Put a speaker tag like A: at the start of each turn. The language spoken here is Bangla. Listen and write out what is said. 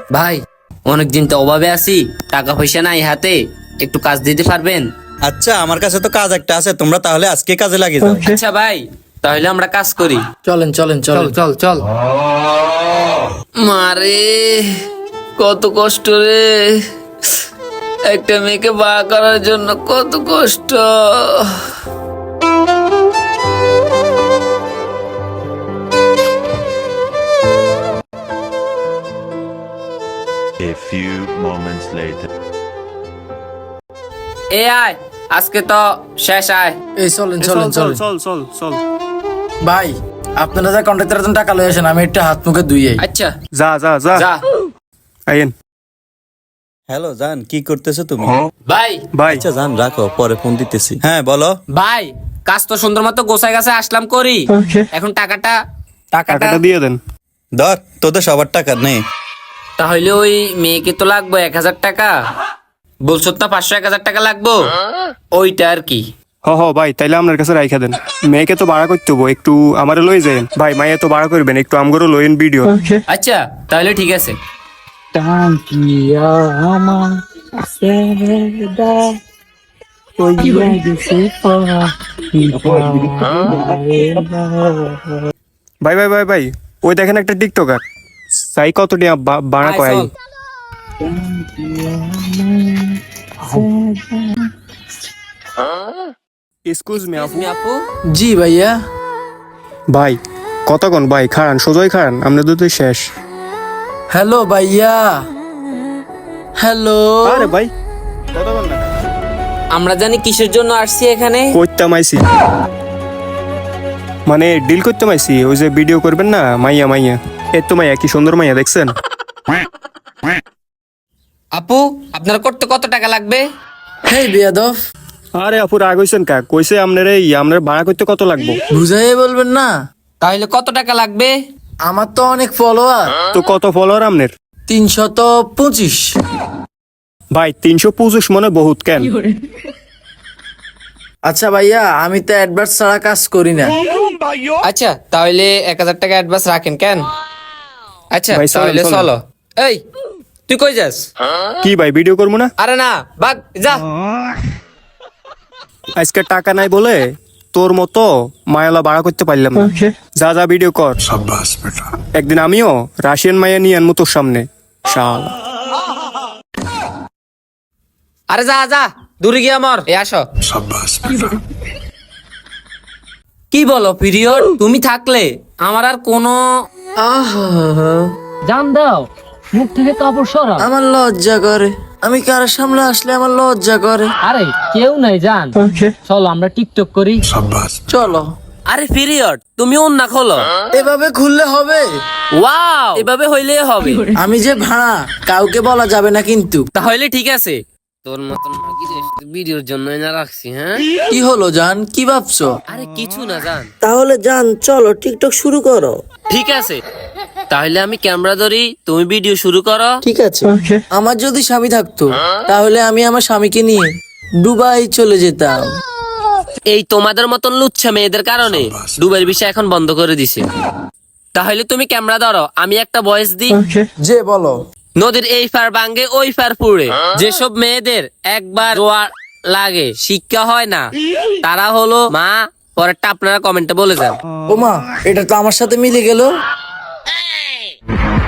A: ভাই অনেকদিন তো অভাবে আছি, টাকা পয়সা নাই হাতে, একটু কাজ দিতে পারবেন?
B: আচ্ছা, আমার কাছে তো কাজ একটা আছে, তোমরা তাহলে আজকে কাজে লাগে যাও।
A: আচ্ছা ভাই, তাহলে আমরা কাজ করি।
C: চলেন চলেন চলেন
A: চল চল। মারে কত কষ্ট রে, একটা মেয়েকে বিয়ে করার জন্য কত কষ্ট।
D: A few moments later.
A: এ আয়, আজকে তো শেষ, আয়।
C: এই চলেন চলেন চলেন
E: চল
C: ভাই, আপনারা যা কন্ট্রাক্টরের জন্য টাকা লয়ে আসেন, আমি একটা হাত মুখে ধুইয়ে
A: আচ্ছা
E: যা যা যা
A: যা।
E: আইন
B: হ্যালো জান, কি করতেছো তুমি?
A: ভাই
E: ভাই।
B: আচ্ছা জান, রাখো, পরে ফোন দিতেছি। হ্যাঁ বলো।
A: ভাই, কাজ তো সুন্দর মতো গোছায় গাছে আসলাম করি, এখন টাকাটা
E: টাকাটা দিয়ে দেন।
B: ধর, তোদের সবার টাকা নেই।
A: তাহলে ওই মেয়েকে তো লাগবে 1,000 টাকা, বলছো তো 500-1,000 টাকা লাগবো, ওইটা আর কি।
E: হ ভাই, তাইলে আপনার কাছে রাইখা দেন। মেয়েকে তো ভাড়া করতে হবো, একটু আমারে লই যাইন ভাই। মাইয়া তো ভাড়া করবেন, একটু আমগরও লইন ভিডিও।
A: আচ্ছা তাহলে ঠিক আছে।
E: ভাই ভাই ভাই ভাই, ওই দেখেন একটা টিকটকার, সাই কত টিয়া ভাড়া
A: আয়,
E: কয়।
A: চল।
E: এক্সকিউজ মি আপু।
A: আপু
C: জি ভাইয়া।
E: ভাই কতক্ষণ ভাই, খাড়ান সোজাই খাড়ান, আপনাদের তো শেষ।
C: হ্যালো ভাইয়া, হ্যালো।
E: আরে ভাই কতক্ষণ না
A: আমরা জানি কিসের জন্য আসছি এখানে।
E: করতাম আইছি, মানে ডিল করতে আইছি। ওই যে ভিডিও করবেন না, মাইয়া মাইয়া, এর তো মাইয়া কি সুন্দর মাইয়া দেখছেন।
A: আপু আপনার করতে কত টাকা লাগবে?
C: হেই বেয়াদব,
E: আরে আপু রাগ হইছেন কা, কইছে আপনার ভাড়া করতে কত লাগবো।
C: বুঝাইয়ে বলবেন না?
A: তাহলে কত টাকা লাগবে?
C: আমার তো অনেক ফলোয়ার,
E: তো কত ফলোয়ার আপনার?
C: 325।
E: ভাই 325 মনে বহুত কেন?
C: আচ্ছা ভাইয়া, আমি তো অ্যাডভার্স ছাড়া কাজ করি না।
A: আচ্ছা তাহলে 1,000 টাকা অ্যাডভান্স রাখেন কেন? আচ্ছা
E: ভাই, চলেন,
A: তাহলে
E: চলেন।
A: চলো। এই তুই কই যাস?
E: কি ভাই ভিডিও করবো না?
A: আরে না, ভাগ যা।
E: আজকে টাকা নাই বলে তোর মতো মায়ালা ভাড়া করতে পারলাম না। যা যা ভিডিও কর। একদিন আমিও রাশিয়ান মায়া নিয়ে আনবো তোর সামনে, শালা।
A: আরে যা যা, দূরে গিয়ে মর। এ আসো। কি বলো পিরিয়ড, তুমি থাকলে আমার আর কোনো
C: আহা,
F: জান দাও, মুখ থেকে কাপড় সরা।
C: আমার লজ্জা করে, আমি কারো সামনে আসলে আমার লজ্জা করে।
F: আরে কেউ নাই জান, চলো আমরা টিকটক করি।
C: চলো।
A: আরে পিরিয়ড, তুমি অন্য খোলো।
C: এভাবে খুললে হবে?
A: ওয়াও, এভাবে হইলেই হবে।
C: আমি যে ভাড়া, কাউকে বলা যাবে না কিন্তু।
A: তাহলে ঠিক আছে। তোর মতন ভিডিওর জন্য না রাখছি। হ্যাঁ
C: কি হলো জান, কি ভাবছো?
A: আরে কিছু না জান।
C: তাহলে জান চলো টিকটক শুরু করো।
A: ঠিক আছে, তাহলে আমি ক্যামেরা ধরি, তুমি ভিডিও শুরু করো।
C: ঠিক আছে। আমার যদি স্বামী থাকতো, তাহলে আমি আমার স্বামীকে নিয়ে দুবাই চলে যেতাম।
A: এই তোমাদের মতন লুচ্ছা মেয়েদের কারণে দুবাইয়ের বিষয় এখন বন্ধ করে দিছে। তাহলে তুমি ক্যামেরা ধরো, আমি একটা ভয়েস দিই।
C: যে বলো।
A: নদীর এই পার ভাঙ্গে ওই পার পুড়ে, যেসব মেয়েদের একবার জোয়ার লাগে, শিক্ষা হয় না, তারা হলো মা। পরেরটা আপনারা কমেন্টে বলে যান।
C: ওমা, এটা তো আমার সাথে মিলে গেল।